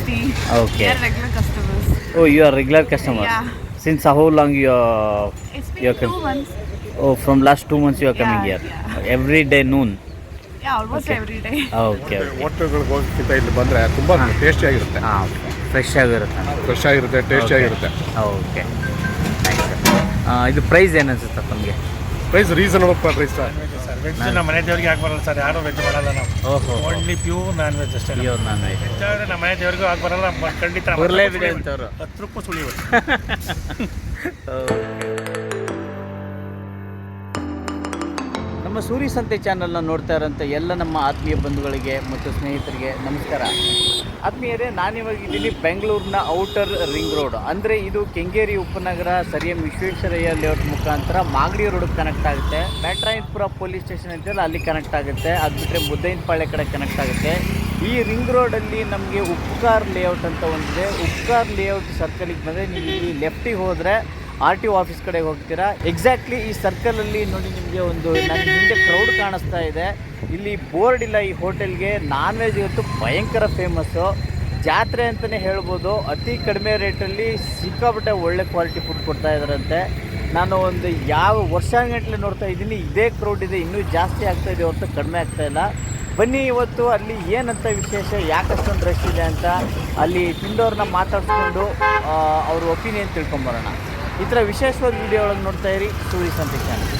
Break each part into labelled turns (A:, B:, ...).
A: tasty.
B: Okay.
A: We are regular customers.
B: Oh, you are regular customer.
A: Yeah.
B: Since how long you are?
A: It's been
B: You're
A: 2 months.
B: Oh, from last 2 months you are coming
A: Yeah,
B: here.
A: yeah.
B: Every day noon.
A: Yeah, almost
B: Okay.
A: every day.
B: Okay, okay.
C: ಹೋಟೆಲ್ಗಳಿಗೆ ಹೋಗೋಕ್ಕಿಂತ ಇಲ್ಲಿ ಬಂದರೆ ತುಂಬ tasty ಆಗಿರುತ್ತೆ,
B: ಹಾಂ, fresh ಆಗಿರುತ್ತೆ.
C: Fresh ಆಗಿರುತ್ತೆ, tasty ಆಗಿರುತ್ತೆ.
B: Okay, thanks. ಇದು price ಏನು ಅನ್ಸುತ್ತೆ ತಮಗೆ?
C: Price reasonable price sir.
D: Veg ನಮ್ಮ ಮನೆ ದೇವರಿಗೆ ಆಗ್ಬರಲ್ಲ ಸರ್, ಯಾರು ವೆಜ್ ಮಾಡಲ್ಲ ನಾವು.
B: ಓಹೋ,
D: ಓನ್ಲಿ ಪ್ಯೂರ್ ನಾನ್ ವೆಜ್ ಅಷ್ಟೇ.
B: Pure non veg.
D: ವೆಜ್ ಆದರೆ ನಮ್ಮ ಮನೆ ದೇವರಿಗೂ ಆಗ್ಬರಲ್ಲ, ಖಂಡಿತ
B: ಬರಲೇಬಿಡಿ ಅಂತವ್ರು.
D: 10 ರೂಪಾಯಿ ಸುಳಿಯೋದು.
B: ನಮ್ಮ ಸೂರಿ ಸಂತೆ ಚಾನಲ್ನ ನೋಡ್ತಾ ಇರೋಂಥ ಎಲ್ಲ ನಮ್ಮ ಆತ್ಮೀಯ ಬಂಧುಗಳಿಗೆ ಮತ್ತು ಸ್ನೇಹಿತರಿಗೆ ನಮಸ್ಕಾರ. ಆತ್ಮೀಯರೇ, ನಾನಿವಾಗ ಇದ್ದೀನಿ ಬೆಂಗಳೂರಿನ ಔಟರ್ ರಿಂಗ್ ರೋಡ್, ಅಂದರೆ ಇದು ಕೆಂಗೇರಿ ಉಪನಗರ ಸರ್ ಎಂ ವಿಶ್ವೇಶ್ವರಯ್ಯ ಲೇಔಟ್ ಮುಖಾಂತರ ಮಾಗಡಿ ರೋಡ್ಗೆ ಕನೆಕ್ಟ್ ಆಗುತ್ತೆ. ಬ್ಯಾಟ್ರಾಯನ್ಪುರ ಪೊಲೀಸ್ ಸ್ಟೇಷನ್ ಅಂತೆಲ್ಲ ಅಲ್ಲಿ ಕನೆಕ್ಟ್ ಆಗುತ್ತೆ. ಅದು ಬಿಟ್ಟರೆ ಮುದ್ದೈನಪಾಳ್ಯ ಕಡೆ ಕನೆಕ್ಟ್ ಆಗುತ್ತೆ. ಈ ರಿಂಗ್ ರೋಡಲ್ಲಿ ನಮಗೆ ಉಪ್ಕಾರ್ ಲೇಔಟ್ ಅಂತ ಒಂದಿದೆ. ಉಪ್ಕಾರ್ ಲೇಔಟ್ ಸರ್ಕಲಿಗೆ ಬಂದರೆ ನೀವು ಇಲ್ಲಿ ಲೆಫ್ಟಿಗೆ ಹೋದರೆ RTO ಆಫೀಸ್ ಕಡೆಗೆ ಹೋಗ್ತೀರಾ. ಎಕ್ಸಾಕ್ಟ್ಲಿ ಈ ಸರ್ಕಲಲ್ಲಿ ನೋಡಿ ನಿಮಗೆ ಒಂದು ನನ್ನ ಹಿಂದೆ ಕ್ರೌಡ್ ಕಾಣಿಸ್ತಾ ಇದೆ. ಇಲ್ಲಿ ಬೋರ್ಡ್ ಇಲ್ಲ ಈ ಹೋಟೆಲ್ಗೆ. ನಾನ್ ವೆಜ್ ಇವತ್ತು ಭಯಂಕರ ಫೇಮಸ್ಸು, ಜಾತ್ರೆ ಅಂತಲೇ ಹೇಳ್ಬೋದು. ಅತಿ ಕಡಿಮೆ ರೇಟಲ್ಲಿ ಸಿಕ್ಕಾಪಟ್ಟೆ ಒಳ್ಳೆ ಕ್ವಾಲಿಟಿ ಫುಡ್ ಕೊಡ್ತಾ ಇದ್ದಾರಂತೆ. ನಾನು ಒಂದು ಯಾವ ವರ್ಷಗಟ್ಟಲೆ ನೋಡ್ತಾ ಇದ್ದೀನಿ, ಇದೇ ಕ್ರೌಡ್ ಇದೆ, ಇನ್ನೂ ಜಾಸ್ತಿ ಆಗ್ತಾಯಿದೆ ಹೊರತು ಕಡಿಮೆ ಆಗ್ತಾಯಿಲ್ಲ. ಬನ್ನಿ ಇವತ್ತು ಅಲ್ಲಿ ಏನಂತ ವಿಶೇಷ, ಯಾಕಷ್ಟೊಂದು ರಶ್ ಇದೆ ಅಂತ ಅಲ್ಲಿ ತಿಂದವ್ರನ್ನ ಮಾತಾಡಿಸ್ಕೊಂಡು ಅವ್ರ ಒಪಿನಿಯನ್ ತಿಳ್ಕೊಂಬರೋಣ. ಈ ಥರ ವಿಶೇಷವಾದ ವಿಡಿಯೋ ಒಳಗೆ ನೋಡ್ತಾ ಇರಿ Suri Sante channel.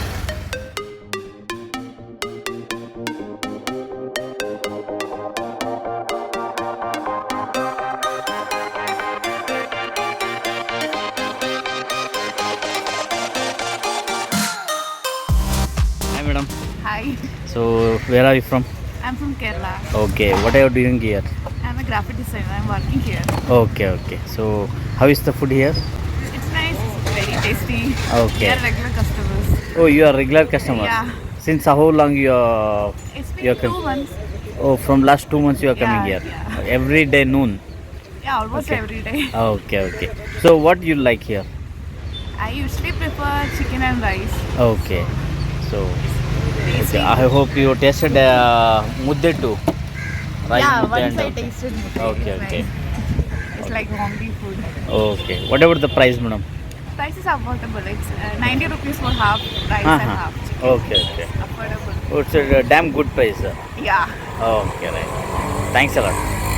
B: Hi madam.
A: Hi.
B: So where are you from?
A: I'm from Kerala.
B: Okay, what are you doing here?
A: I'm a graphic designer. I'm working here.
B: Okay. So how is the food here?
A: It's nice. It's very tasty.
B: Okay.
A: We are regular customers.
B: Oh, you are regular customer.
A: Yeah.
B: Since how long you are?
A: It's been
B: You're
A: 2 months.
B: Oh, from last 2 months you are coming
A: Yeah,
B: here.
A: yeah.
B: Every day noon.
A: Yeah, almost
B: Okay.
A: every day.
B: Okay. So what you like here?
A: I usually prefer chicken and rice.
B: Okay. So
A: Tasty.
B: okay, I hope you tasted mudde too. Rice
A: Yeah,
B: mudde
A: once I
B: and
A: tasted it.
B: Okay,
A: It's
B: okay.
A: nice. It's like homely food.
B: Okay. What about the price, madam?
A: Price is affordable. It's 90 rupees for half rice and half chicken.
B: Okay.
A: Affordable.
B: Oh, it's a damn good price.
A: Yeah.
B: Okay, right. Thanks a lot.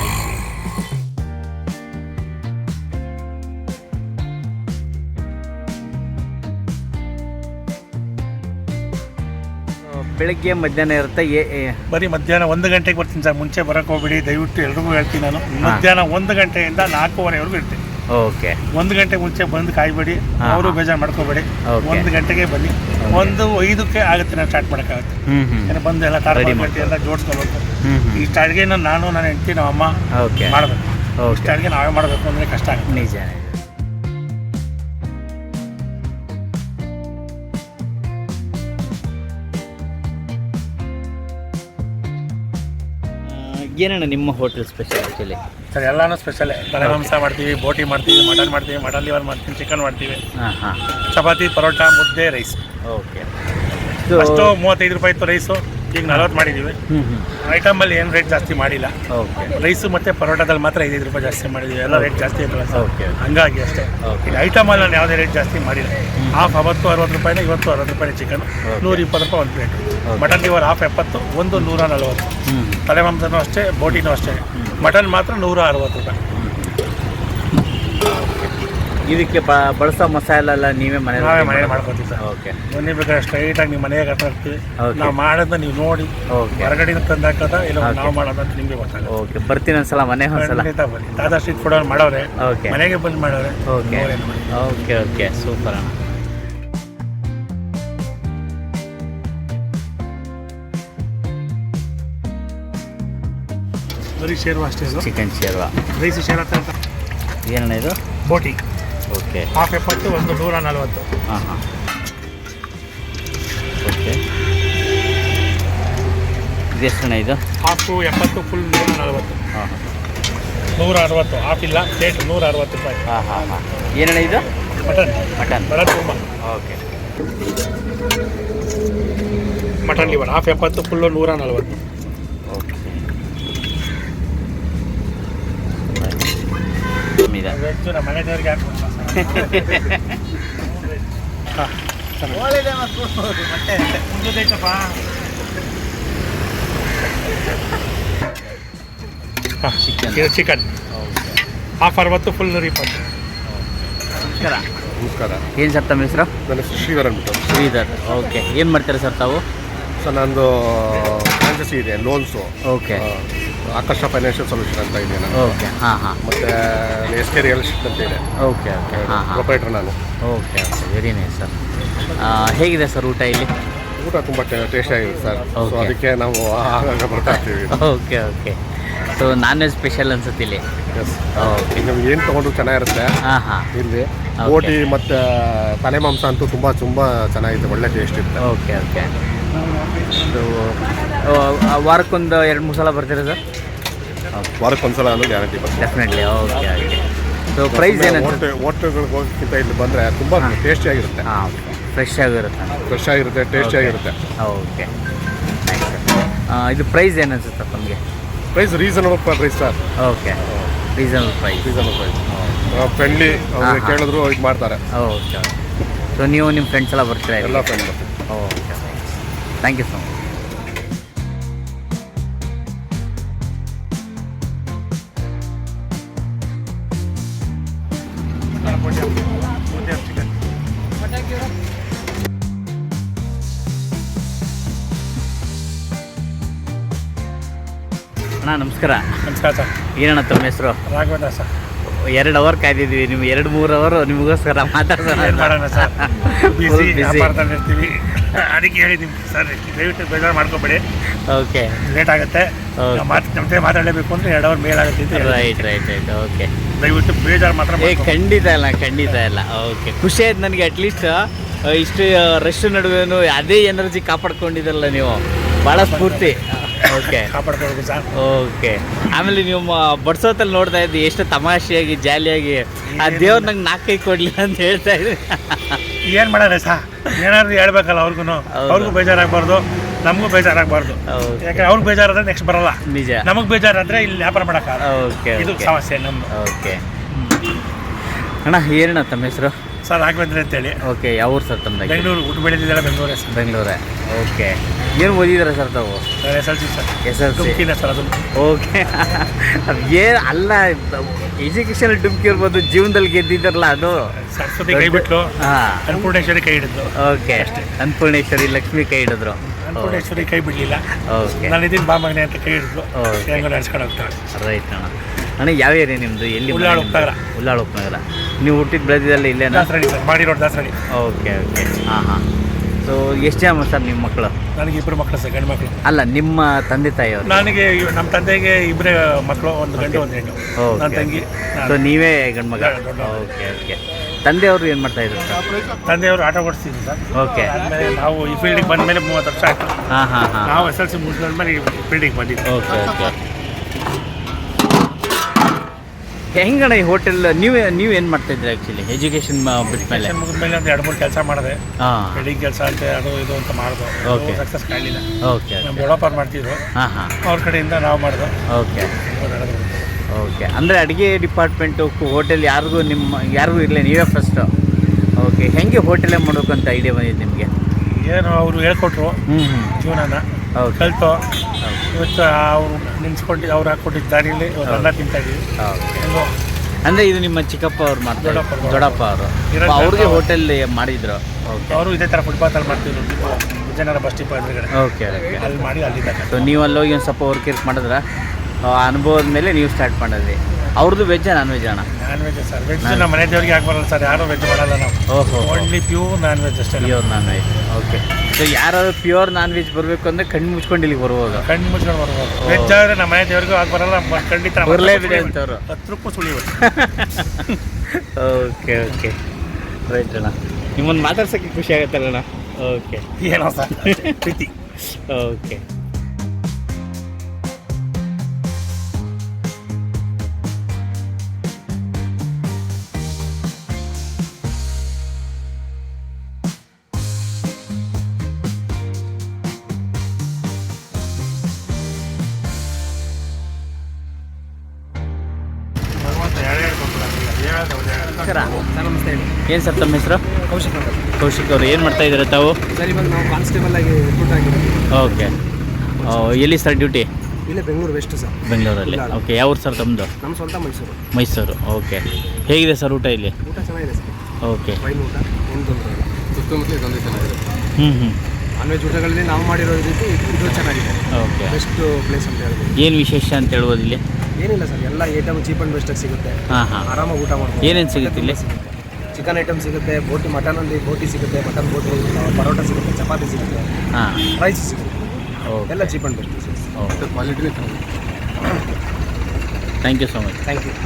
B: ಬೆಳಗ್ಗೆ ಮಧ್ಯಾಹ್ನ ಇರುತ್ತೆ.
D: ಬರೀ ಮಧ್ಯಾಹ್ನ 1 ಗಂಟೆಗೆ ಬರ್ತೀನಿ sir, ಮುಂಚೆ ಬರೋಕ್ಕೆ ಹೋಗ್ಬಿಡಿ ದಯವಿಟ್ಟು, ಎಲ್ರಿಗೂ ಹೇಳ್ತೀನಿ ನಾನು. ಮಧ್ಯಾಹ್ನ 1 ಗಂಟೆಯಿಂದ 4:15ವರೆಗೂ ಇರ್ತೀನಿ.
B: ಓಕೆ.
D: 1 ಗಂಟೆ ಮುಂಚೆ ಬಂದು ಕಾಯ್ಬೇಡಿ, ಅವರು ಬೇಜಾರು ಮಾಡ್ಕೋಬೇಡಿ.
B: Okay.
D: 1 ಗಂಟೆಗೆ ಬನ್ನಿ. 1:05ಕ್ಕೆ ಆಗುತ್ತೆ ನಾನು ಸ್ಟಾರ್ಟ್ ಮಾಡೋಕ್ಕಾಗುತ್ತೆ. ಯಾಕಂದ್ರೆ ಬಂದು ಎಲ್ಲ
B: Ready
D: ಕಾರ್ಪೊರೇಟ್ ಎಲ್ಲ ಜೋಡಿಸ್ಕೋಬೇಕು. ಇಷ್ಟು ಅಡುಗೆನ ನಾನು ನನ್ನ ಹೆಂಡತಿ ನಮ್ಮ ಅಮ್ಮ
B: ಓಕೆ.
D: ಮಾಡಬೇಕು.
B: ಓಕೆ.
D: ಇಷ್ಟು ಅಡುಗೆ ನಾವೇ ಮಾಡಬೇಕು ಅಂದರೆ ಕಷ್ಟ ಆಗುತ್ತೆ.
B: ನಿಜ. ಏನಣ್ಣ ನಿಮ್ಮ ಹೋಟೆಲ್ ಸ್ಪೆಷಲ್ ಆ್ಯಕ್ಚುಲಿ?
D: ಸರ್ ಎಲ್ಲನೂ ಸ್ಪೆಷಲೇ. ತಲೆ ಮಾಂಸ ಮಾಡ್ತೀವಿ, ಬೋಟಿ ಮಾಡ್ತೀವಿ, ಮಟನ್ ಮಾಡ್ತೀವಿ, ಮಟನ್ ಲಿವರ್ ಮಾಡ್ತೀವಿ, ಚಿಕನ್ ಮಾಡ್ತೀವಿ,
B: ಹಾಂ.
D: ಚಪಾತಿ, ಪರೋಟ, ಮುದ್ದೆ, ರೈಸ್.
B: ಓಕೆ.
D: ಅಷ್ಟು 35 ರೂಪಾಯಿ ಇತ್ತು ರೈಸು, ಈಗ 40 ಮಾಡಿದ್ದೀವಿ. ಐಟಮಲ್ಲಿ ಏನು ರೇಟ್ ಜಾಸ್ತಿ ಮಾಡಿಲ್ಲ.
B: ಓಕೆ.
D: ರೈಸು ಮತ್ತು ಪರೋಟದಲ್ಲಿ ಮಾತ್ರ 5 ರೂಪಾಯಿ ಜಾಸ್ತಿ ಮಾಡಿದ್ದೀವಿ. ಎಲ್ಲ ರೇಟ್ ಜಾಸ್ತಿ ಇರ್ತಲ್ಲ ಸರ್,
B: ಓಕೆ.
D: ಹಂಗಾಗಿ ಅಷ್ಟೇ.
B: ಓಕೆ.
D: ಈಗ ಐಟಮಲ್ಲಿ ನಾನು ಯಾವುದೇ ರೇಟ್ ಜಾಸ್ತಿ ಮಾಡಿಲ್ಲ. ಹಾಫ್ 60 ರೂಪಾಯಿನ, ಇವತ್ತು 60 ರೂಪಾಯಿ ಚಿಕನ್, 120 ರೂಪಾಯಿ ಒಂದು ಪ್ಲೇಟ್. ಮಟನ್ ಲಿವರ್ ಹಾಫ್ 70, ಒಂದು 140. ತಲೆ ಮಾಂಸನೂ ಅಷ್ಟೇ, ಬೋಟಿನೂ ಅಷ್ಟೇ. ಮಟನ್ ಮಾತ್ರ 160 ರೂಪಾಯಿ.
B: ಇದಕ್ಕೆ ಬಳಸೋ ಮಸಾಲೆ ಎಲ್ಲ ನೀವೇ
D: ನಾವೇ ಮನೇಲಿ ಮಾಡ್ಕೊತೀವಿ ಸರ್.
B: ಓಕೆ.
D: ಬನ್ನಿ ಬೇಕಾದ್ರೆ ಸ್ಟ್ರೈಟಾಗಿ ನಿಮ್ಮ ಮನೆಗೆ ಕರ್ಕೊಂಡು ಹೋಗ್ತೀವಿ.
B: Okay.
D: ನಾವು ಮಾಡೋದನ್ನ ನೀವು ನೋಡಿ
B: ಓಕೆ.
D: ಹೊರಗಡೆಯಿಂದ ತಂದು ಹಾಕೋದ ಇಲ್ಲ
B: Okay.
D: ನಾವು ಮಾಡೋದಂತ ನಿಮಗೆ ಗೊತ್ತಾಗುತ್ತೆ.
B: ಓಕೆ. ಬರ್ತೀನಿ ಒಂದ್ಸಲ, ಮನೆಗೆ ಒಂದ್ಸಲ.
D: ಖಂಡಿತ ಬನ್ನಿ. ದಾದಾ ಸ್ಟ್ರೀಟ್ ಫುಡ್ ಅವ್ರು ಮಾಡೋರೆ,
B: ಓಕೆ.
D: ಮನೆಗೆ ಬಂದು ಮಾಡೋರೆ.
B: ಓಕೆ.
D: ನೋಡೇನು ಮಾಡಿ.
B: ಓಕೆ. ಸೂಪರ್ ಅಣ್ಣ.
D: ಬರೀ ಶೇರ್ವ ಅಷ್ಟೇ ಇದು.
B: ಚಿಕನ್ ಶೇರ್ವಾ.
D: ರೈಸ್ ಶೇರ್ ಅಂತ
B: ಏನಣ್ಣ ಇದು?
D: ಬೋಟಿ
B: ಓಕೆ.
D: ಹಾಫ್ 70, ಒಂದು 140.
B: ಹಾಂ. ಓಕೆ. ಇದೆಷ್ಟಣ್ಣ ಇದು?
D: Half 70, full 140.
B: ಹಾಂ.
D: 160, ಹಾಫ್ ಇಲ್ಲ, ಪ್ಲೇಟ್ 160 ರೂಪಾಯಿ.
B: ಹಾಂ. ಏನಣ್ಣ ಇದು? ಮಟನ್.
D: ಬರ ತುಂಬ.
B: Okay.
D: Mutton liver half 70, full 140.
B: Okay.
D: Veg ನಮ್ಮ ಮನೆ ದೇವರಿಗೆ ಹಾಕ್ಬಿಡ್ತಾರೆ ಮುಂದೈತಪ್ಪ ಚಿಕನ್ ಹಾಫ್ 60 ಫುಲ್ 120.
B: ನಮಸ್ಕಾರ.
C: ನಮಸ್ಕಾರ.
B: ಏನು ಸರ್ ತಮ್ಮ ಹೆಸರು?
C: ನನ್ನ ಹೆಸರು ಶ್ರೀಧರ್ ಅಂದ್ಬಿಟ್ಟು.
B: ಶ್ರೀಧರ್. ಓಕೆ, ಏನು ಮಾಡ್ತಾರೆ ಸರ್ ತಾವು?
C: ಸರ್ ನಂದು ಫ್ರಾಂಚೈಸಿ ಇದೆ, loans.
B: Okay
C: Akarsha financial solution ಅಂತ ಇದೆ ನಾನು.
B: ಓಕೆ, ಹಾಂ ಹಾಂ.
C: ಮತ್ತು SK ರಿಯಲ್ ಎಸ್ಟೇಟ್ ಅಂತ ಇದೆ.
B: ಓಕೆ ಓಕೆ, ಹಾಂ ಹಾಂ.
C: ಪ್ರೊಪರೇಟರ್ ನಾನು.
B: Okay okay, very nice sir. ಹೇಗಿದೆ ಸರ್ ಊಟ ಇಲ್ಲಿ?
C: ಊಟ ತುಂಬ ಟೇಸ್ಟ್ ಆಗಿದೆ ಸರ್. So
B: Okay.
C: ಅದಕ್ಕೆ ನಾವು ಆಗಾಗ ಬರ್ತಾ ಇರ್ತೀವಿ.
B: Okay okay. So non veg special ಅನ್ಸುತ್ತೆ ಇಲ್ಲಿ.
C: ಎಸ್.
B: ಓಕೆ,
C: ನಿಮ್ಗೆ ಏನು ತೊಗೊಂಡ್ರು ಚೆನ್ನಾಗಿರುತ್ತೆ
B: ಹಾಂ ಹಾಂ.
C: ಇಲ್ಲಿ.
B: Okay.
C: ಬೋಟಿ ಮತ್ತು ತಲೆ ಮಾಂಸ ಅಂತೂ ತುಂಬ ಚೆನ್ನಾಗಿದೆ, ಒಳ್ಳೆ ಟೇಸ್ಟ್ ಇರುತ್ತೆ.
B: Okay okay. ಸೊ ವಾರಕ್ಕೊಂದು 2-3 ಸಲ ಬರ್ತೀರಾ ಸರ್? ಓಕೆ,
C: ವಾರಕ್ಕೊಂದ್ಸಲ ಅನ್ನೋ ಗ್ಯಾರಂಟಿ ಬರುತ್ತೆ.
B: Definitely. Okay okay. So price ಏನಂತ?
C: ಹೋಟೆಲ್ಗಳಿಗೆ ಹೋಗೋಕ್ಕಿಂತ ಇಲ್ಲಿ ಬಂದರೆ ತುಂಬ ಟೇಸ್ಟಿಯಾಗಿರುತ್ತೆ.
B: ಹಾಂ, ಫ್ರೆಶ್ ಆಗಿರುತ್ತೆ.
C: ಫ್ರೆಶ್ ಆಗಿರುತ್ತೆ, ಟೇಸ್ಟಿಯಾಗಿರುತ್ತೆ.
B: Okay, thanks sir. ಇದು ಪ್ರೈಸ್ ಏನು ಅನ್ಸುತ್ತೆ ನಮಗೆ?
C: Price reasonable price sir.
B: Okay, reasonable price.
C: Reasonable price. Friendly
B: ಹಾಂ.
C: ಕೇಳಿದ್ರು ಇದು ಮಾಡ್ತಾರೆ.
B: ಓಕೆ. ಸೊ ನೀವು ನಿಮ್ಮ ಫ್ರೆಂಡ್ಸ್ ಎಲ್ಲ ಬರ್ತೀರಾ?
C: ಎಲ್ಲ friend.
B: Okay, thank you so much.
D: Chicken
B: ಅಣ್ಣ ನಮಸ್ಕಾರ.
D: ನಮಸ್ಕಾರ ಸರ್.
B: ಏನಣ್ಣ ತಮ್ಮ ಹೆಸರು?
D: ರಾಘವೇಂದ್ರ ಸರ್.
B: 2 ಅವರ್ ಕಾಯ್ದಿದ್ವಿ, ನೀವು 2-3 ಅವರ್ ನಿಮಗೋಸ್ಕರ ಮಾತಾಡ್ಸೋಣ.
D: ಏನು ಮಾಡೋಣ ಸರ್,
B: Full
D: ಬಿಸಿ
B: busy.
D: ವ್ಯಾಪಾರದಲ್ಲಿ ಇರ್ತೀವಿ. ಅದಕ್ಕೆ ಹೇಳಿದ್ದೀನಿ ಸರ್, ದಯವಿಟ್ಟು ಬೇಜಾರು ಮಾಡ್ಕೊಬೇಡಿ,
B: ಓಕೆ,
D: ಲೇಟ್ ಆಗುತ್ತೆ.
B: Okay.
D: ನಮ್ಮ ಜೊತೆ ಮಾತಾಡಲೇಬೇಕು ಅಂದರೆ 2 ಅವರ್ ಮೇಲ್ ಆಗುತ್ತೆ ಅಂತ ಹೇಳಿ.
B: Right right right. ಓಕೆ,
D: ದಯವಿಟ್ಟು ಬೇಜಾರು ಮಾತ್ರ
B: ಖಂಡಿತ ಇಲ್ಲ, ಖಂಡಿತ ಇಲ್ಲ. ಓಕೆ, ಖುಷಿ ಆಯ್ತು ನನಗೆ. ಅಟ್ಲೀಸ್ಟ್ ಇಷ್ಟು ರಶ್ ನಡುವೆನೂ ಅದೇ ಎನರ್ಜಿ ಕಾಪಾಡ್ಕೊಂಡಿದ್ದಲ್ಲ ನೀವು, ಭಾಳ ಸ್ಫೂರ್ತಿ. ಓಕೆ
D: ಕಾಪಾಡ್ಕೊಳ್ಬೇಕು ಸರ್.
B: ಓಕೆ. ಆಮೇಲೆ ನೀವು ಬಡ್ಸೋತಲ್ಲಿ ನೋಡ್ತಾ ಇದ್ದಿ ಎಷ್ಟು ತಮಾಷೆಯಾಗಿ ಜಾಲಿಯಾಗಿ, ಆ ದೇವ್ರು ನಂಗೆ 4 ಕೈ ಕೊಡಲಿ ಅಂತ ಹೇಳ್ತಾ ಇದ್ರಿ.
D: ಏನು ಮಾಡೋಣ ಸರ್, ಏನಾದ್ರು ಹೇಳ್ಬೇಕಲ್ಲ ಅವ್ರಿಗೂ. ಅವ್ರಿಗೂ ಬೇಜಾರಾಗಬಾರ್ದು, ನಮಗೂ ಬೇಜಾರಾಗಬಾರ್ದು.
B: Okay.
D: ಯಾಕಂದ್ರೆ ಅವ್ರಿಗೆ ಬೇಜಾರಾದ್ರೆ ನೆಕ್ಸ್ಟ್ ಬರಲ್ಲ,
B: ನಿಜ.
D: ನಮಗೆ ಬೇಜಾರಾದ್ರೆ ಇಲ್ಲಿ ವ್ಯಾಪಾರ ಮಾಡೋಕ್ಕಾಗಲ್ಲ.
B: ಓಕೆ
D: ಇದು
B: ಓಕೆ
D: ಸಮಸ್ಯೆ ನಮ್ಮದು.
B: ಓಕೆ. ಅಣ್ಣ ಏನಣ್ಣ ತಮ್ಮ ಹೆಸರು?
D: ಸರ್ ರಾಘವೇಂದ್ರ ಅಂತೇಳಿ,
B: ಓಕೆ, ಯಾವ ಊರು ಸರ್ ತಮ್ಮದಾಗಿ?
D: ಬೆಂಗಳೂರು. ಊಟ ಬೆಳೆದಿದ್ದೆಲ್ಲ ಬೆಂಗಳೂರೇ ಸರ್.
B: ಬೆಂಗಳೂರೇ. ಓಕೆ, ಏನು ಓದಿದ್ದೀರಾ ಸರ್ ತಾವು?
D: Sir SLC sir.
B: SLC.
D: ಡುಮ್ಕಿನ ಸರ್ ಅದು.
B: ಓಕೆ. ಏನು ಅಲ್ಲ, ಎಜುಕೇಷನ್ ಡುಮ್ಕಿ ಇರ್ಬೋದು, ಜೀವನದಲ್ಲಿ ಗೆದ್ದಿದ್ದಾರಲ್ಲ ಅದು.
D: ಸರಸ್ವತಿ ಕೈ ಬಿಟ್ಲು,
B: ಹಾಂ.
D: ಅನ್ನಪೂರ್ಣೇಶ್ವರಿ ಕೈ ಹಿಡಿದ್ಲು.
B: ಓಕೆ, ಅನ್ನಪೂರ್ಣೇಶ್ವರಿ ಲಕ್ಷ್ಮಿ ಕೈ ಹಿಡಿದ್ರು.
D: ಅನ್ನಪೂರ್ಣೇಶ್ವರಿ ಕೈ ಬಿಡಲಿಲ್ಲ.
B: ಓಕೆ,
D: ನಾನು ಇದೀನಿ ಬಾ ಮಗನೆ ಅಂತ ಕೈ ಹಿಡಿದ್ಲು.
B: Okay.
D: ಹೆಂಗೋ ನಡೆಸ್ಕೊಂಡು ಹೋಗ್ತಾಳೆ.
B: ರೈಟ್ ಅಣ್ಣ. ಅಣ್ಣ ಯಾವ ಏರಿಯಾ ನಿಮ್ಮದು? ಎಲ್ಲಿ?
D: ಉಳ್ಳಾಳ ಉಪನಗರ.
B: ಉಳ್ಳಾಳ ಉಪನಗರ. ನೀವು ಹುಟ್ಟಿದ ಬೆಳೆದಿದ್ದಲ್ಲ ಇಲ್ಲೇನಾ?
D: ದಾಸರಳ್ಳಿ ಸರ್, ಮಾಡಿ ರೋಡ್ ದಾಸರಳ್ಳಿ.
B: ಓಕೆ ಓಕೆ, ಹಾಂ ಹಾಂ. ಸೊ ಎಷ್ಟು ಜನ ಸರ್ ನಿಮ್ಮ ಮಕ್ಕಳು?
D: ನನಗೆ 2 ಮಕ್ಕಳು ಸರ್, ಗಂಡು ಮಕ್ಕಳು.
B: ಅಲ್ಲ, ನಿಮ್ಮ ತಂದೆ ತಾಯಿಯವರು?
D: ನನಗೆ ನಮ್ಮ ತಂದೆಗೆ 2 ಮಕ್ಕಳು, 1 ಗಂಡು 1 ಹೆಣ್ಣು.
B: ಓಕೆ.
D: ನನ್ನ ತಂಗಿ
B: ಸೊ ನೀವೇ ಗಂಡು ಮಗ?
D: ದೊಡ್ಡ.
B: Okay okay. ತಂದೆಯವರು ಏನು ಮಾಡ್ತಾ ಇದ್ರು ಸರ್?
D: ತಂದೆಯವರು ಆಟೋ ಓಡಿಸ್ತಿದ್ರು ಸರ್.
B: ಓಕೆ.
D: ಆಮೇಲೆ ನಾವು ಈ ಫೀಲ್ಡಿಗೆ ಬಂದ ಮೇಲೆ 30 ವರ್ಷ ಆಯಿತು.
B: ಹಾಂ ಹಾಂ ಹಾಂ.
D: ನಾವು SLC ಮುಗಿದ್ಮೇಲೆ ಈ ಫೀಲ್ಡಿಗೆ ಬಂದಿದ್ವಿ.
B: Okay okay. ಹೆಂಗಣ್ಣ ಈ ಹೋಟೆಲ್ ನೀವು ಏನು ಮಾಡ್ತಾಯಿದ್ರಿ ಆ್ಯಕ್ಚುಲಿ ಎಜುಕೇಷನ್ ಬಿಟ್ಮೇಲೆ?
D: ಮುಗಿದ್ಮೇಲೆ ಒಂದು 2-3 ಕೆಲಸ ಮಾಡಿದೆ.
B: ಹಾಂ.
D: ವೆಲ್ಡಿಂಗ್ ಕೆಲಸ ಅಂತ ಅದು ಇದು ಅಂತ ಮಾಡಿದ್ರು.
B: Okay.
D: ಸಕ್ಸಸ್ ಕಾಣಲಿಲ್ಲ.
B: ಓಕೆ
D: ನಮ್ಮ ಡೆವಲಪರ್ ಮಾಡ್ತಿದ್ರು,
B: ಹಾಂ ಹಾಂ.
D: ಅವ್ರ ಕಡೆಯಿಂದ ನಾವು ಮಾಡಿದ್ರು.
B: Okay okay. ಅಂದರೆ ಅಡುಗೆ ಡಿಪಾರ್ಟ್ಮೆಂಟು ಹೋಟೆಲ್ ಯಾರಿಗೂ ಇರಲಿ, ನೀವೇ ಫಸ್ಟು? ಓಕೆ. ಹೆಂಗೆ ಹೋಟೆಲೇ ಮಾಡಬೇಕು ಅಂತ ಐಡಿಯಾ ಬಂದಿದ್ದು ನಿಮಗೆ?
D: ಏನು ಅವರು ಹೇಳ್ಕೊಟ್ರು ಜೀವನನ,
B: ಓಕೆ
D: ಕಲಿತು ಇವತ್ತು ಅವ್ರು ನಿಲ್ಸ್ಕೊಂಡು ಅವ್ರು ಹಾಕ್ಕೊಟ್ಟಿದ್ದ ದಾರಿಯಲ್ಲಿ ಇವತ್ತು ಅನ್ನ ತಿಂತಾ ಇದ್ದೀವಿ.
B: ಓಕೆ.
D: ಹೆಂಗೋ
B: ಅಂದರೆ ಇದು ನಿಮ್ಮ ಚಿಕ್ಕಪ್ಪ ಅವ್ರು ಮಾಡ್ತಾರೆ? ದೊಡ್ಡಪ್ಪ ಅವರು
D: ಇರೋದು
B: ಅವ್ರಿಗೆ
D: ಅವ್ರು.
B: ಹೋಟೆಲ್ ಮಾಡಿದ್ರು? ಓಕೆ.
D: ಅವರು ಇದೇ ಥರ ಫುಟ್ಪಾತಲ್ಲಿ ಮಾಡ್ತಿದ್ರು, ವಿಜಯನಗರ ಬಸ್ ಡಿಪೋ ಎದುರುಗಡೆ.
B: Okay okay.
D: ಅಲ್ಲಿ ಮಾಡಿ ಅಲ್ಲಿಂದ.
B: ಸೊ ನೀವು ಅಲ್ಲಿ ಹೋಗಿ ಒಂದು ಸ್ವಲ್ಪ ವರ್ಕ್ ಇರ್ಕ್ ಮಾಡಿದ್ರೆ ಅನುಭವದ ಮೇಲೆ ನೀವು ಸ್ಟಾರ್ಟ್ ಮಾಡಿದ್ರಿ. ಅವ್ರದ್ದು ವೆಜ್ಜಾ ನಾನ್ ವೆಜ್ ಅಣ್ಣ?
D: Non veg sir. ವೆಜ್ ನಮ್ಮ ಮನೆ ದೇವ್ರಿಗೆ ಹಾಕಿ ಬರಲ್ಲ ಸರ್, ಯಾರು ವೆಜ್ ಮಾಡಲ್ಲ ನಾವು.
B: ಓಹೋ.
D: ಓನ್ಲಿ ಪ್ಯೂರ್ ನಾನ್ ವೆಜ್ ಅಷ್ಟೇ.
B: Pure non veg. Okay. So ಯಾರಾದ್ರು ಪ್ಯೂರ್ ನಾನ್ ವೆಜ್ ಬರಬೇಕು ಅಂದರೆ ಕಣ್ಣು ಮುಚ್ಕೊಂಡು ಇಲ್ಲಿಗೆ ಬರ್ಬೋದು?
D: ಕಣ್ಣು ಮುಚ್ಕೊಂಡು ಬರ್ಬೋದು. ವೆಜ್ ಆದರೆ ನಮ್ಮ ಮನೆ ದೇವ್ರಿಗೂ ಹಾಕಿ ಬರಲ್ಲ, ಖಂಡಿತ
B: ಬರಲೇಬಿದೆ ಅಂತವ್ರು.
D: 10 ರೂಪಾಯಿ ಸುಳಿಯೋದು.
B: ಓಕೆ ಓಕೆ, ರೈಟ್ ಅಣ್ಣ. ನಿಮ್ಮನ್ನು ಮಾತಾಡ್ಸೋಕ್ಕೆ ಖುಷಿ ಆಗುತ್ತಲ್ಲ ಅಣ್ಣ? ಓಕೆ.
D: ಏನೋ ಸರ್ ಪ್ರೀತಿ.
B: ಓಕೆ.
D: ಭಗವಂತ ಎರಡು ಕೊಡ್ತಾರೆ.
B: ನಮಸ್ಕಾರ.
E: ಸರ್ ನಮಸ್ತೆ ಹೇಳಿ.
B: ಏನು ಸರ್ ತಮ್ಮ ಹೆಸರು?
E: ಕೌಶಿಕ್ ಅಂತ.
B: ಕೌಶಿಕ್ ಅವರು ಏನು ಮಾಡ್ತಾ ಇದ್ದಾರೆ ತಾವು?
E: ಸರ್ ಇವಾಗ ನಾವು ಕಾನ್ಸ್ಟೇಬಲ್ ಆಗಿ ರಿಕ್ರೂಟ್ ಆಗಿರೋದು.
B: ಓಕೆ. ಎಲ್ಲಿ ಸರ್ ಡ್ಯೂಟಿ?
E: ಇಲ್ಲೇ ಬೆಂಗಳೂರು ವೆಸ್ಟ್ ಸರ್.
B: ಬೆಂಗಳೂರಲ್ಲಿ. ಓಕೆ. ಯಾವ ಊರು ಸರ್ ತಮ್ಮದು?
E: ನಮ್ಮ ಸ್ವಂತ ಮೈಸೂರು.
B: ಮೈಸೂರು. ಓಕೆ. ಹೇಗಿದೆ ಸರ್ ಊಟ ಇಲ್ಲಿ?
E: ಊಟ ಚೆನ್ನಾಗಿದೆ ಸರ್.
B: ಓಕೆ.
E: ಫೈನ್ ಊಟ, ಏನು ತೊಂದರೆ ಇಲ್ಲ. ಸುತ್ತಮುತ್ತಲೇ ತೊಂದರೆ ಚೆನ್ನಾಗಿದೆ.
B: ಹ್ಞೂ.
E: ನಾನ್ ವೆಜ್ ಊಟಗಳಲ್ಲಿ ನಾವು ಮಾಡಿರೋ ರೀತಿ ಇದು ಚೆನ್ನಾಗಿದೆ.
B: ಓಕೆ.
E: ಬೆಸ್ಟ್ ಪ್ಲೇಸ್ ಅಂತ ಹೇಳ್ಬೋದು.
B: ಏನು ವಿಶೇಷ ಅಂತ ಹೇಳ್ಬೋದು ಇಲ್ಲಿ?
E: ಏನಿಲ್ಲ ಸರ್, ಎಲ್ಲ ಐಟಮ್ ಚೀಪ್ ಆ್ಯಂಡ್ ಬೆಸ್ಟಾಗಿ ಸಿಗುತ್ತೆ.
B: ಹಾಂ.
E: ಆರಾಮಾಗಿ ಊಟ ಮಾಡ್ಬೋದು.
B: ಏನೇನು ಸಿಗುತ್ತೆ ಇಲ್ಲಿ?
E: ಚಿಕನ್ ಐಟಮ್ ಸಿಗುತ್ತೆ, ಬೋಟಿ ಮಟನಲ್ಲಿ ಬೋಟಿ ಸಿಗುತ್ತೆ, ಮಟನ್ ಬೋಟಿ, ಪರೋಟ ಸಿಗುತ್ತೆ, ಚಪಾತಿ ಸಿಗುತ್ತೆ,
B: ಹಾಂ,
E: ರೈಸ್ ಸಿಗುತ್ತೆ.
B: ಓಕೆ.
E: ಎಲ್ಲ ಚೀಪ್ ಆ್ಯಂಡ್ ಬೆಸ್ಟ್.
B: ಓಕೆ.
E: ಕ್ವಾಲಿಟಿನೇ
B: thank you so much.
E: Thank you.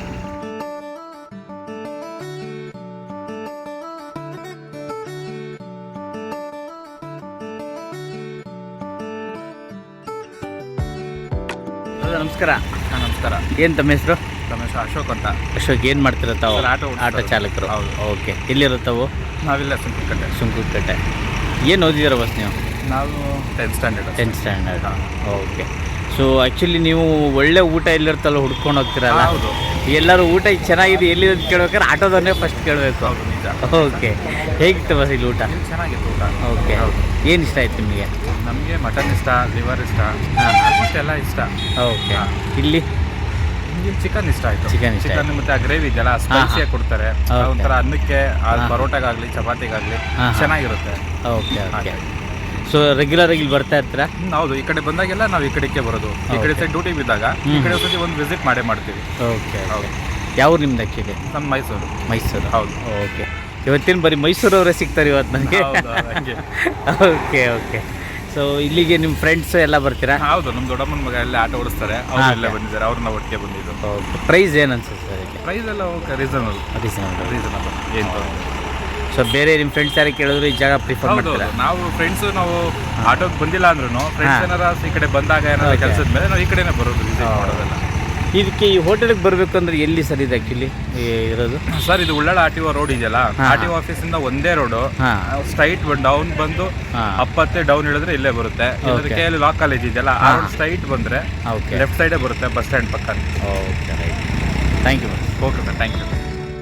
B: ನಮಸ್ಕಾರ.
F: ನಮಸ್ಕಾರ.
B: ಏನು ತಮ್ಮ ಹೆಸರು?
F: ರಮೇಶ್ ಅಶೋಕ್ ಅಂತ.
B: ಅಶೋಕ್, ಏನು ಮಾಡ್ತೀರ ತಾವು?
F: ಸರ್, ಆಟೋ ಓಡಿಸ್ತಾ
B: ಆಟೋ ಚಾಲಕರು.
F: ಹೌದು.
B: ಓಕೆ. ಎಲ್ಲಿರುತ್ತಾವು?
F: ನಾವಿಲ್ಲ ಸುಂಕುಕಟ್ಟೆ.
B: ಸುಂಕುಕಟ್ಟೆ. ಏನು ಓದಿದ್ದೀರ ಬಸ್ ನೀವು?
F: ನಾವು 10th standard.
B: 10th standard. Okay. So actually ನೀವು ಒಳ್ಳೆ ಊಟ ಎಲ್ಲಿರ್ತಲ್ಲ ಹುಡ್ಕೊಂಡು ಹೋಗ್ತೀರಲ್ಲ?
F: ಹೌದು.
B: ಎಲ್ಲರೂ ಊಟ ಚೆನ್ನಾಗಿದೆ ಎಲ್ಲಿ ಅಂತ ಕೇಳ್ಬೇಕಾದ್ರೆ ಆಟೋದನ್ನೇ ಫಸ್ಟ್ ಕೇಳಬೇಕು.
F: ಹೌದು, ನಿಜ.
B: ಓಕೆ. ಹೇಗಿತ್ತು ಬಸ್ ಇಲ್ಲಿ ಊಟ?
F: ಇಲ್ಲಿ ಚೆನ್ನಾಗಿತ್ತು ಊಟ.
B: ಓಕೆ.
F: ಹೌದು.
B: ಏನು ಇಷ್ಟ ಆಯ್ತು ನಿಮಗೆ?
F: ನಮಗೆ ಮಟನ್ ಇಷ್ಟ, ಲಿವರ್ ಇಷ್ಟ,
B: ಹಾಂ.
F: ಆಲ್ಮೋಸ್ಟ್ ಎಲ್ಲ ಇಷ್ಟ.
B: ಓಕೆ.
F: ಹಾಂ.
B: ಇಲ್ಲಿ
F: ನಿಮಗೆ ಚಿಕನ್ ಇಷ್ಟ ಆಯಿತು.
B: ಚಿಕನ್ ಇಷ್ಟ
F: ಚಿಕನ್ ಮತ್ತು ಆ ಗ್ರೇವಿ ಇದೆಯಲ್ಲ ಸ್ಪೈಸಿಯಾಗಿ ಕೊಡ್ತಾರೆ.
B: ಓಕೆ.
F: ಒಂಥರ ಅನ್ನಕ್ಕೆ
B: ಹಾಂ.
F: ಪರೋಟಾಗಾಗಲಿ ಚಪಾತಿಗಾಗಲಿ
B: ಹಾಂ.
F: ಚೆನ್ನಾಗಿರುತ್ತೆ.
B: ಓಕೆ. ಓಕೆ.
F: ಹಾಗೆ.
B: ಸೊ ರೆಗ್ಯುಲರ್ ಆಗಿ ಇಲ್ಲಿ ಬರ್ತಾ ಇರ್ತೀರಾ?
F: ಹೌದು, ಈ ಕಡೆ ಬಂದಾಗೆಲ್ಲ ನಾವು ಈ ಕಡೆಗೆ ಬರೋದು. ಈ ಕಡೆ ಸೈಡ್ ಡ್ಯೂಟಿ ಬಿದ್ದಾಗ ಈ ಕಡೆ ಒಂದ್ಸತಿ ಒಂದು ವಿಸಿಟ್ ಮಾಡೇ ಮಾಡ್ತೀವಿ.
B: ಓಕೆ.
F: ಹೌದು.
B: ಯಾವ ಊರು ನಿಮ್ದು ಆ್ಯಕ್ಚುಲಿ?
F: ನಮ್ಮ ಮೈಸೂರು.
B: ಮೈಸೂರು.
F: ಹೌದು.
B: ಓಕೆ. ಇವತ್ತಿನ ಬರೀ ಮೈಸೂರವರೇ ಸಿಗ್ತಾರೆ ಇವತ್ತು ನನಗೆ.
F: ಹೌದು, ಹಂಗೆ.
B: ಓಕೆ. ಓಕೆ. ಸೊ ಇಲ್ಲಿಗೆ ನಿಮ್ಮ ಫ್ರೆಂಡ್ಸ್ ಎಲ್ಲ ಬರ್ತೀರಾ?
F: ಹೌದು, ನಮ್ಮ ದೊಡ್ಡಮ್ಮನ ಮಗ ಎಲ್ಲ ಆಟೋ ಓಡಿಸ್ತಾರೆ. ಅವ್ರು ಇಲ್ಲೇ ಬಂದಿದ್ದಾರೆ, ಅವ್ರನ್ನ ಒಟ್ಟಿಗೆ ಬಂದಿದ್ದು.
B: ಓಕೆ. ಪ್ರೈಸ್ ಏನು ಅನ್ಸುತ್ತೆ ಸರ್ ಇಲ್ಲಿ?
F: ಪ್ರೈಸ್ ಎಲ್ಲ ಓಕೆ, ರೀಸನಬಲ್. ರೀಸನಬಲ್ ಏನು.
B: ಸೊ ಬೇರೆ ನಿಮ್ಮ ಫ್ರೆಂಡ್ಸ್ ಯಾರು ಕೇಳಿದ್ರು ಈ ಜಾಗ ಪ್ರಿಫರ್
F: ಹೌದು,
B: ಮಾಡ್ತೀರಾ?
F: ನಾವು ಫ್ರೆಂಡ್ಸು ನಾವು ಆಟೋಗೆ ಬಂದಿಲ್ಲ ಅಂದ್ರೂ ಫ್ರೆಂಡ್ಸ್
B: ಹಾಂ.
F: ಏನಾರ ಈ ಕಡೆ ಬಂದಾಗ ಏನಾರ
B: Okay.
F: ಕೆಲಸದ ಮೇಲೆ ನಾವು ಈ ಕಡೆನೇ ಬರೋದು, ವಿಸಿಟ್ ಮಾಡೋದೆಲ್ಲ.
B: ಇದಕ್ಕೆ ಈ ಹೋಟೆಲ್ಗೆ ಬರಬೇಕು ಅಂದ್ರೆ ಎಲ್ಲಿ ಸರ್ ಇದು ಆ್ಯಕ್ಚುಲಿ ಇರೋದು?
F: ಸರ್, ಇದು ಉಳ್ಳಾಳ RTO ರೋಡ್ ಇದೆಯಲ್ಲ,
B: ಹಾಂ.
F: RTO ಆಫೀಸಿಂದ ಒಂದೇ ರೋಡು.
B: ಹಾಂ.
F: ಸ್ಟ್ರೈಟ್ ಡೌನ್ ಬಂದು
B: ಹಾಂ.
F: ಅಪ್ಪತ್ತೆ ಡೌನ್ ಇಳಿದ್ರೆ ಇಲ್ಲೇ ಬರುತ್ತೆ.
B: Okay.
F: KL ಲಾ ಕಾಲೇಜ್ ಇದೆಯಲ್ಲ, ಆ
B: ಹಾಂ.
F: ರೋಡ್ ಸ್ಟ್ರೈಟ್ ಬಂದರೆ
B: ಓಕೆ.
F: ಲೆಫ್ಟ್ ಸೈಡೇ ಬರುತ್ತೆ, ಬಸ್ ಸ್ಟ್ಯಾಂಡ್ ಪಕ್ಕ.
B: Okay. Right. Thank you.
F: Okay sir, thank you.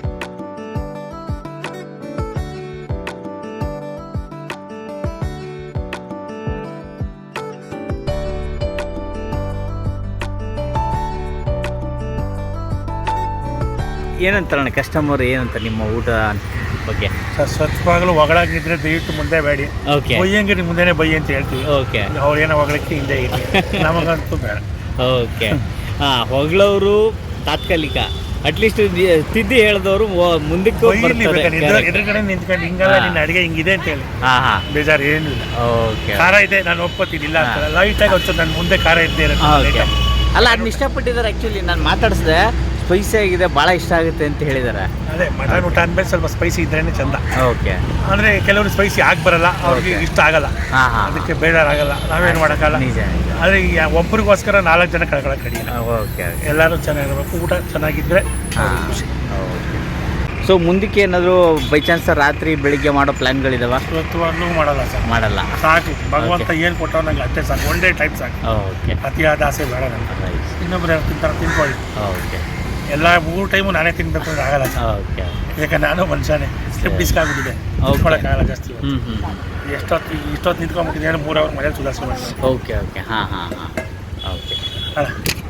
B: ಏನಂತಾರಣ್ಣ ಕಸ್ಟಮರ್ ಏನಂತ ನಿಮ್ಮ ಊಟ ಬಗ್ಗೆ?
D: ಸರ್, ಸ್ವಚ್ಛವಾಗಲು ಹೊಗಳಾಗಿದ್ರೆ ದಯವಿಟ್ಟು ಮುಂದೆ ಬೇಡಿ.
B: ಓಕೆ.
D: ಬೈಯಂಗಿರಿ ಮುಂದೆನೇ ಬೈ ಅಂತ ಹೇಳ್ತೀವಿ.
B: ಓಕೆ.
D: ಅವ್ರು ಏನೋ ಹೊಗಳಕ್ಕೆ ಹಿಂದೆ ಇರಲಿ, ನಮಗಂತೂ ಬೇಡ.
B: ಓಕೆ. ಹಾಂ, ಹೊಗಳವರು ತಾತ್ಕಾಲಿಕ, ಅಟ್ಲೀಸ್ಟ್ ತಿದ್ದಿ ಹೇಳಿದವರು ಮುಂದಕ್ಕೆ
D: ಬೈಲಿ
B: ಬರ್ತಾರೆ.
D: ಬೇಕಾದ್ರೆ ಎದುರುಗಡೆ ನಿಂತ್ಕೊಂಡು ಹಿಂಗಲ್ಲ
B: ಹಾಂ.
D: ನಿನ್ನ ಅಡುಗೆ ಹಿಂಗಿದೆ ಅಂತ ಹೇಳಿ.
B: ಹಾಂ. ಹಾಂ.
D: ಬೇಜಾರು ಏನಿಲ್ಲ.
B: ಓಕೆ.
D: ಖಾರ ಇದೆ, ನಾನು ಒಪ್ಕೋತೀನಿ, ಇಲ್ಲ ಅಂತ ಲೈಟಾಗಿ ಹೊತ್ತು ನನ್ನ ಮುಂದೆ ಖಾರ ಇದ್ದೇ
B: ಓಕೆ.
D: ಇರುತ್ತೆ.
B: ಅಲ್ಲ, ಅದನ್ನ ಇಷ್ಟಪಟ್ಟಿದ್ದಾರೆ ಆ್ಯಕ್ಚುಲಿ. ನಾನು ಮಾತಾಡಿಸಿದೆ, ಸ್ಪೈಸಿ ಆಗಿದೆ, ಭಾಳ ಇಷ್ಟ ಆಗುತ್ತೆ ಅಂತ ಹೇಳಿದ್ದಾರೆ.
D: ಅದೇ ಮಟನ್ ಊಟ ಅಂದ್ಮೇಲೆ ಸ್ವಲ್ಪ ಸ್ಪೈಸಿ ಇದ್ರೇನೆ ಚಂದ.
B: ಓಕೆ.
D: ಅಂದರೆ ಕೆಲವರು ಸ್ಪೈಸಿ ಆಗಿ ಬರಲ್ಲ, ಅವ್ರಿಗೆ ಇಷ್ಟ ಆಗಲ್ಲ,
B: ಹಾಂ. ಹಾಂ.
D: ಅದಕ್ಕೆ ಬೇಜಾರಾಗಲ್ಲ, ನಾವೇನು ಮಾಡೋಕ್ಕಲ್ಲ.
B: ನಿಜ.
D: ಆದರೆ ಒಬ್ಬರಿಗೋಸ್ಕರ 4 ಜನ ಕಳ್ಕೊಳ್ಳೋಕೆ ಕಡಿಮೆ.
B: ಓಕೆ.
D: ಎಲ್ಲರೂ ಚೆನ್ನಾಗಿರ್ಬೇಕು, ಊಟ ಚೆನ್ನಾಗಿದ್ದರೆ
B: ಹಾಂ.
D: ಖುಷಿ.
B: ಓಕೆ. ಸೊ ಮುಂದಕ್ಕೆ ಏನಾದರೂ ಬೈ ಚಾನ್ಸ್ ರಾತ್ರಿ ಬೆಳಿಗ್ಗೆ ಮಾಡೋ ಪ್ಲ್ಯಾನ್ಗಳಿದಾವ?
D: ಇವತ್ತುವಾಗ್ಲೂ ಮಾಡಲ್ಲ ಸರ್,
B: ಮಾಡಲ್ಲ.
D: ಸಾಕು. ಭಗವಂತ ಏನು ಕೊಟ್ಟವ್ ನಂಗೆ ಅಷ್ಟೇ ಸಾಕು, ಒನ್ ಡೇ ಟೈಮ್ ಸಾಕು.
B: ಓಕೆ.
D: ಅತಿಯಾದ ಆಸೆ ಬೇಡ ನನಗೆ. ಇನ್ನೊಬ್ರು ಯಾರು ತಿಂತಾರೆ ತಿನ್ಕೊಳ್ಳಿ,
B: ಓಕೆ.
D: ಎಲ್ಲ 3 ಟೈಮು ನಾನೇ ತಿನ್ಬೇಕು ಅಂದ್ರೆ ಆಗಲ್ಲ ಸರ್.
B: ಓಕೆ.
D: ಯಾಕಂದ್ರೆ ನಾನು ಮನುಷ್ಯನೇ, ಸ್ಲಿಪ್ ಡಿಸ್ಕ್ ಆಗಿಬಿಟ್ಟಿದೆ, ತಿನ್ಕೊಳ್ಳೋಕ್ಕಾಗಲ್ಲ ಜಾಸ್ತಿ.
B: ಹ್ಞೂ.
D: ಇಷ್ಟೊತ್ತು ನಿಂತ್ಕೊಂಡ್ಬಿಟ್ಟಿದ್ದೇನೆ, 3 ಅವರ್ ಮನೇಲಿ ಸುಧಾರಿಸ್ಕೊಂಡು.
B: ಓಕೆ. ಓಕೆ. ಹಾಂ. ಹಾಂ. ಹಾಂ. ಓಕೆ.
D: ಅಲ್ಲ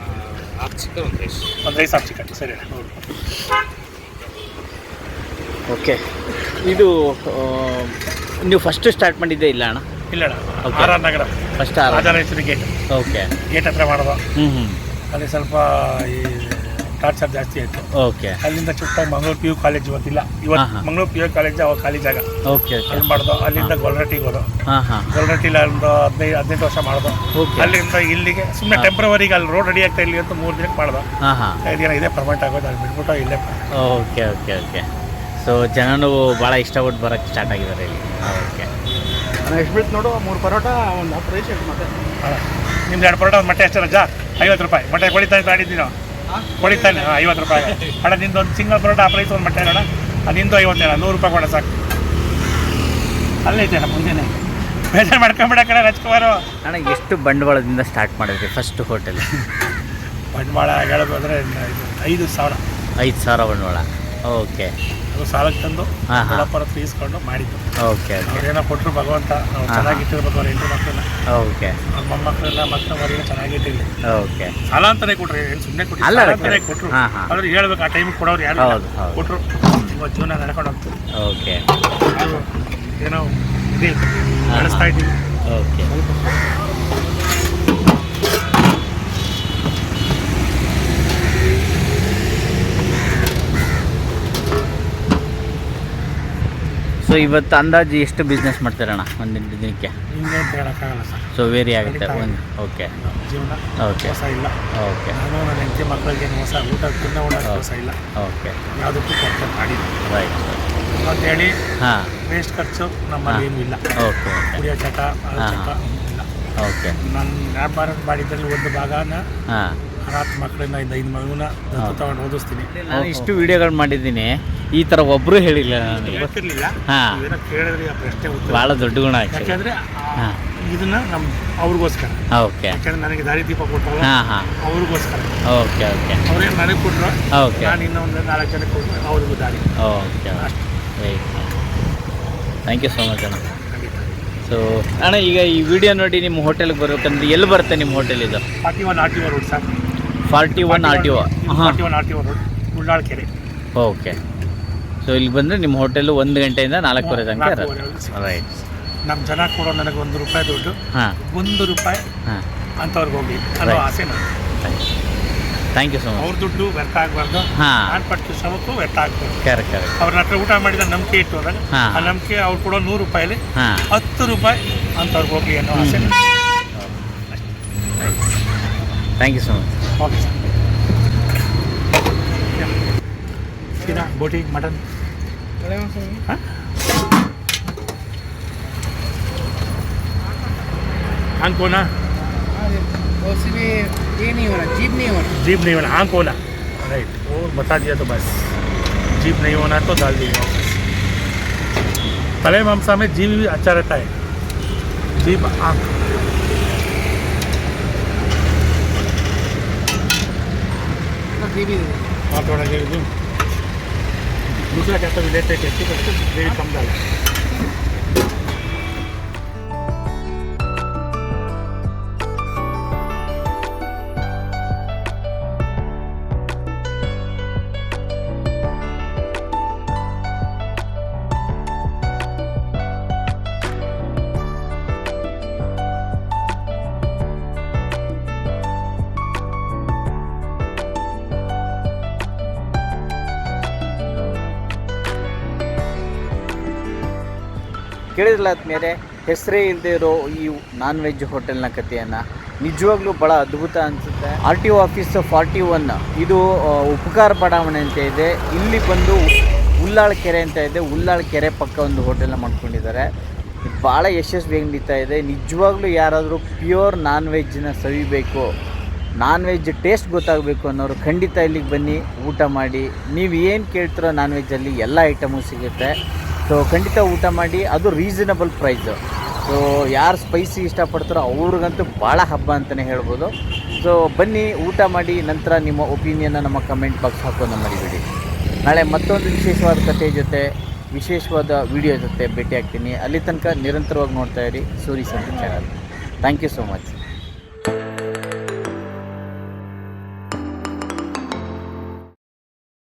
D: ಒಂದು ರೈಸ್ ಹಾಕಿ ಕಟ್ಟಿ ಸರಿ.
B: ಓಕೆ. ಇದು ನೀವು ಫಸ್ಟ್ ಸ್ಟಾರ್ಟ್ ಮಾಡಿದ್ದೆ ಇಲ್ಲ ಅಣ್ಣ?
D: ಇಲ್ಲ ಅಣ್ಣ,
B: Okay.
D: RR Nagar
B: first
D: Rajarajeshwari gate
B: okay.
D: Gate ಹತ್ರ ಮಾಡೋದು.
B: ಹ್ಞೂ.
D: ಅಲ್ಲಿ ಸ್ವಲ್ಪ ಈ ಟಾರ್ಚರ್ ಜಾಸ್ತಿ ಆಯಿತು.
B: ಓಕೆ.
D: ಅಲ್ಲಿಂದ ಚುಟ್ಟಾಗಿ ಮಂಗಳೂರು PU ಕಾಲೇಜ್ ಇವತ್ತಿಲ್ಲ, ಇವತ್ತು
B: ಹಾಂ.
D: ಮಂಗಳೂರು PU ಕಾಲೇಜ್ ಅವಾಗ ಖಾಲಿ ಜಾಗ,
B: ಓಕೆ. ಓಕೆ.
D: ಅಲ್ಲಿ ಮಾಡೋದು. ಅಲ್ಲಿಂದ ಗೊಲ್ರಟ್ಟಿಗೆ ಹೋದೋ,
B: ಹಾಂ. ಹಾಂ.
D: ಗೊಲ್ರಟ್ಟಿಲಿ ಒಂದು 15-18 ವರ್ಷ ಮಾಡೋದು.
B: ಓಕೆ.
D: ಅಲ್ಲಿಂದ ಇಲ್ಲಿಗೆ ಸುಮ್ಮನೆ ಟೆಂಪ್ರವರಿಗೆ ಅಲ್ಲಿ ರೋಡ್ ರೆಡಿ ಆಗ್ತಾ ಇಲ್ಲಿ ಅಂತ 3 ದಿನಕ್ಕೆ ಮಾಡೋದು.
B: ಹಾಂ. ಹಾಂ.
D: 5 ದಿನ ಇದೇ ಪರ್ಮನೆಂಟ್ ಆಗೋದು, ಅಲ್ಲಿ ಬಿಟ್ಬಿಟ್ಟು ಇಲ್ಲೇ.
B: ಓಕೆ. ಓಕೆ. ಓಕೆ. ಸೊ ಜನನು ಭಾಳ ಇಷ್ಟಪಟ್ಟು ಬರೋಕ್ಕೆ ಸ್ಟಾರ್ಟ್ ಆಗಿದ್ದಾರೆ ಇಲ್ಲಿ. ಓಕೆ.
E: ಎಷ್ಟು ಬೀಳ್ತು ನೋಡು, 3 ಪರೋಟ, ಒಂದು 10 ರೈಸ್ ಎಷ್ಟು ಮತ್ತೆ.
D: ನಿಮ್ದು 2 ಪರೋಟ, ಒಂದು ಮೊಟ್ಟೆ ಅಷ್ಟೇ ರಜಾ, 50 ರೂಪಾಯಿ. ಮೊಟ್ಟೆ ಕೊಡಿತಾನೆ ತಾಡಿದ್ದೀನಿ ನಾವು, ಕೊಡಿತಾನೆ. 50 ರೂಪಾಯಿ ಅಣ್ಣ. ನಿಂದು ಒಂದು ಸಿಂಗಲ್ ಪರೋಟ, ಆ ಪ್ರೈಸ್ ಒಂದು ಮೊಟ್ಟೆ ಅಣ್ಣ, ಅದು ನಿಂದು 50 ಅಣ್ಣ, 100 ರೂಪಾಯಿ ಕೊಡ ಸಾಕು. ಅಲ್ಲೇ ಐತೆ ಮುಂದೆನೇ, ಬೇಜಾರು ಮಾಡ್ಕೊಂಬಿಡಕ್ಕಣ ರಾಜ್ಕುಮಾರು.
B: ಅಣ್ಣ, ಎಷ್ಟು ಬಂಡವಾಳದಿಂದ ಸ್ಟಾರ್ಟ್ ಮಾಡಿದ್ರಿ ಫಸ್ಟ್ ಹೋಟೆಲ್?
D: ಬಂಡವಾಳ ಹೇಳೋದು ಅಂದರೆ 5,000.
B: 5,000 ಬಂಡವಾಳ. ಓಕೆ
D: ಅದು ಸಾಲಕ್ಕೆ ತಂದು
B: ಹಾಂ ಹಾಂ
D: ದೊಡ್ಡಪ್ಪರ ಹತ್ರ ಈಸ್ಕೊಂಡು ಮಾಡಿದ್ದು.
B: ಓಕೆ ಓಕೆ
D: ಅವ್ರೇನೋ ಕೊಟ್ಟರು ಭಗವಂತ ನಾವು ಚೆನ್ನಾಗಿಟ್ಟಿರ್ಬೇಕು ಅವ್ರ ಹೆಂಡರು ಮಕ್ಕಳನ್ನ,
B: ಓಕೆ
D: ಅವ್ರ ಮೊಮ್ಮಕ್ಕಳೆಲ್ಲ ಮಕ್ಕಳ ಮರಿನ ಚೆನ್ನಾಗಿಟ್ಟಿರಲಿ.
B: ಓಕೆ
D: ಸಾಲ ಅಂತಾನೆ ಕೊಟ್ರು, ಏನು ಸುಮ್ಮನೆ ಕೊಟ್ಟರು,
B: ಅಲ್ಲ,
D: ಸಾಲ ಅಂತಾನೆ ಕೊಟ್ಟರು.
B: ಹಾಂ ಹಾಂ
D: ಆದ್ರೆ ಹೇಳ್ಬೇಕು, ಆ ಟೈಮಿಗೆ ಕೊಡೋರು ಯಾರು
B: ಹೌದು ಹೌದು
D: ಕೊಟ್ಟರು. ಇವತ್ತು ಜೀವನ ನಡ್ಕೊಂಡು ಹೋಗ್ತೀವಿ,
B: ಓಕೆ
D: ನಾವು ಏನೋ ಇದೆ ನಡೆಸ್ತಾ ಇದ್ದೀವಿ.
B: ಓಕೆ ಸೊ ಇವತ್ತು ಅಂದಾಜು ಎಷ್ಟು ಬಿಸ್ನೆಸ್ ಮಾಡ್ತೀರಣ್ಣ ಒಂದಿನ ದಿನಕ್ಕೆ?
D: ಹಿಂಗೆ ಅಂತ ಹೇಳೋಕ್ಕಾಗಲ್ಲ ಸರ್,
B: ಸೊ ವೇರಿ ಆಗುತ್ತೆ ಒಂದು. ಓಕೆ
D: ಜೀವನ
B: ಓಕೆ
D: ಮೋಸ ಇಲ್ಲ.
B: ಓಕೆ
D: ನಾನು ನನ್ನ ಹೆಂಡತಿ ಮಕ್ಕಳಿಗೆ ಮೋಸ, ಊಟ ತಿನ್ನ ಮೋಸ ಇಲ್ಲ,
B: ಓಕೆ
D: ಯಾವುದಕ್ಕೂ ಕೊರತೆ ಮಾಡಿಲ್ಲ
B: ರೈಟ್.
D: ಅಂತೇಳಿ
B: ಹಾಂ
D: ವೇಸ್ಟ್ ಖರ್ಚು ನಮ್ಮಲ್ಲಿ ಏನೂ ಇಲ್ಲ.
B: ಓಕೆ ಓಕೆ
D: ಕುಡಿಯೋ ಚಟ ಅದು ಚಟ ಇಲ್ಲ.
B: ಓಕೆ
D: ನನ್ನ ವ್ಯಾಪಾರ ಮಾಡಿದ್ರಲ್ಲಿ ಒಂದು ಭಾಗನ
B: ಹಾಂ
D: ಅನಾಥ ಮಕ್ಕಳನ್ನ 5 ಮಗುನ ದತ್ತು ತಗೊಂಡು ಓದಿಸ್ತೀನಿ.
B: ನಾನು ಇಷ್ಟು ವಿಡಿಯೋಗಳು ಮಾಡಿದ್ದೀನಿ, ಈ ಥರ ಒಬ್ಬರು ಹೇಳಿಲ್ಲ ನನಗೆ.
D: ಗೊತ್ತಿರಲಿಲ್ಲ,
B: ಹಾಂ
D: ಏನೋ ಕೇಳಿದ್ರೆ ಆ ಪ್ರಶ್ನೆ ಉತ್ತರ.
B: ಭಾಳ ದೊಡ್ಡ ಗುಣ ಆಯ್ತು.
D: ಯಾಕೆಂದರೆ
B: ಹಾಂ
D: ಇದನ್ನ ನಮ್ಮ ಅವ್ರಿಗೋಸ್ಕರ,
B: ಓಕೆ
D: ಯಾಕೆಂದ್ರೆ ನನಗೆ ದಾರಿ ದೀಪ ಕೊಟ್ಟಲ್ಲ
B: ಹಾಂ ಹಾಂ
D: ಅವ್ರಿಗೋಸ್ಕರ.
B: ಓಕೆ ಓಕೆ
D: ಅವ್ರೇನು ನನಗೆ ಕೊಟ್ಟರು,
B: ಓಕೆ
D: ನಾನು ಇನ್ನೊಂದು 4 ಜನಕ್ಕೆ ಕೊಟ್ಟರು, ಅವ್ರಿಗೂ ದಾರಿ.
B: Okay right. Thank you so much ಅಣ್ಣ.
D: ಖಂಡಿತ.
B: ಸೊ ಅಣ್ಣ, ಈಗ ಈ ವಿಡಿಯೋ ನೋಡಿ ನಿಮ್ಮ ಹೋಟೆಲ್ಗೆ ಬರ್ಬೇಕಂದ್ರೆ ಎಲ್ಲಿ ಬರುತ್ತೆ ನಿಮ್ಮ ಹೋಟೆಲ್ ಇದು?
D: 41 RTO ರೋಡ್ ಸರ್.
B: 41 RTO. ಹಾಂ
D: 41 RTO ರೋಡ್, ಉಳ್ಳಾಳ್ ಕೆರೆ.
B: ಓಕೆ. ಸೊ ಇಲ್ಲಿ ಬಂದರೆ ನಿಮ್ಮ ಹೋಟೆಲು 1 ಗಂಟೆಯಿಂದ 4:30 ತನಕ ಇರುತ್ತೆ.
D: 4:30
B: ರೈಟ್.
D: ನಮ್ಮ ಜನ ಕೊಡೋ ನನಗೆ ₹1 ದುಡ್ಡು,
B: ಹಾಂ
D: ₹1
B: ಹಾಂ
D: ಅಂಥವ್ರಿಗೆ ಹೋಗಿ ಅನ್ನೋ
B: Right.
D: ಆಸೆ ನನಗೆ.
B: Thank you so much.
D: ಅವ್ರ ದುಡ್ಡು ವ್ಯರ್ಥ ಆಗಬಾರ್ದು,
B: ಹಾಂ
D: ನಾನು ಪಟ್ಟು ಶ್ರಮಕ್ಕೂ ವ್ಯರ್ಥ ಆಗಬಾರ್ದು.
B: Correct correct.
D: ಅವ್ರ ಹತ್ರ ಊಟ ಮಾಡಿದ ನಂಬಿಕೆ ಇಟ್ಟು ಹೋದಾಗ
B: ಹಾಂ.
D: ಆ ನಂಬಿಕೆ ಅವ್ರು ಕೊಡೋ ₹100
B: ಹಾಂ
D: ₹10 ಅಂಥವ್ರಿಗೆ ಹೋಗಿ ಅನ್ನೋ ಆಸೆ ನನಗೆ.
B: Thank you so much.
D: Okay sir. ಸೀದಾ ಬೋಟಿ ಮಟನ್ आंख को ना
E: ये नहीं हो रहा, जीप नहीं हो रहा।
D: जीप नहीं होना, आंख होना। राइट, वो बता दिया तो बस, जीप नहीं होना तो डाल दीजिए। तले मांसा में जीप भी अच्छा रहता है, जीप आंख। हाँ थोड़ा ग्रेवी दूँ, दूसरा क्या तो लेते टेस्टी करते ग्रेवी कम डाला।
B: ಕೇಳಿದ್ರಲ್ಲ ಆದ್ಮೇಲೆ ಹೆಸರೇ ಇಲ್ಲದೆ ಇರೋ ಈ ನಾನ್ ವೆಜ್ ಹೋಟೆಲ್ನ ಕಥೆಯನ್ನು ನಿಜವಾಗ್ಲೂ ಭಾಳ ಅದ್ಭುತ ಅನಿಸುತ್ತೆ. RTO ಆಫೀಸ್ 41 ಇದು ಉಪಕಾರ ಬಡಾವಣೆ ಅಂತ ಇದೆ. ಇಲ್ಲಿ ಬಂದು ಉಳ್ಳಾಳ್ ಕೆರೆ ಅಂತ ಇದೆ, ಉಳ್ಳಾಳ್ ಕೆರೆ ಪಕ್ಕ ಒಂದು ಹೋಟೆಲ್ನ ಮಾಡ್ಕೊಂಡಿದ್ದಾರೆ. ಭಾಳ ಯಶಸ್ವಿಯಾಗಿ ನಡೀತಾ ಇದೆ. ನಿಜವಾಗ್ಲೂ ಯಾರಾದರೂ ಪ್ಯೂರ್ ನಾನ್ ವೆಜ್ನ ಸವಿಬೇಕು, ನಾನ್ ವೆಜ್ ಟೇಸ್ಟ್ ಗೊತ್ತಾಗಬೇಕು ಅನ್ನೋರು ಖಂಡಿತ ಇಲ್ಲಿಗೆ ಬನ್ನಿ, ಊಟ ಮಾಡಿ. ನೀವು ಏನು ಕೇಳ್ತಿರೋ ನಾನ್ ವೆಜ್ಜಲ್ಲಿ ಎಲ್ಲ ಐಟಮು ಸಿಗುತ್ತೆ. ಸೊ ಖಂಡಿತ ಊಟ ಮಾಡಿ, ಅದು ರೀಸನಬಲ್ ಪ್ರೈಸು. ಸೊ ಯಾರು ಸ್ಪೈಸಿ ಇಷ್ಟಪಡ್ತಾರೋ ಅವ್ರಿಗಂತೂ ಭಾಳ ಹಬ್ಬ ಅಂತಲೇ ಹೇಳ್ಬೋದು. ಸೊ ಬನ್ನಿ, ಊಟ ಮಾಡಿ, ನಂತರ ನಿಮ್ಮ ಒಪಿನಿಯನ್ನ ನಮ್ಮ ಕಮೆಂಟ್ ಬಾಕ್ಸ್ ಹಾಕೋದು ಮರಿಬೇಡಿ. ನಾಳೆ ಮತ್ತೊಂದು ವಿಶೇಷವಾದ ಕಥೆ ಜೊತೆ, ವಿಶೇಷವಾದ ವಿಡಿಯೋ ಜೊತೆ ಭೇಟಿ ಆಗ್ತೀನಿ. ಅಲ್ಲಿ ತನಕ ನಿರಂತರವಾಗಿ ನೋಡ್ತಾ ಇರಿ Suri Sante channel. Thank you so much.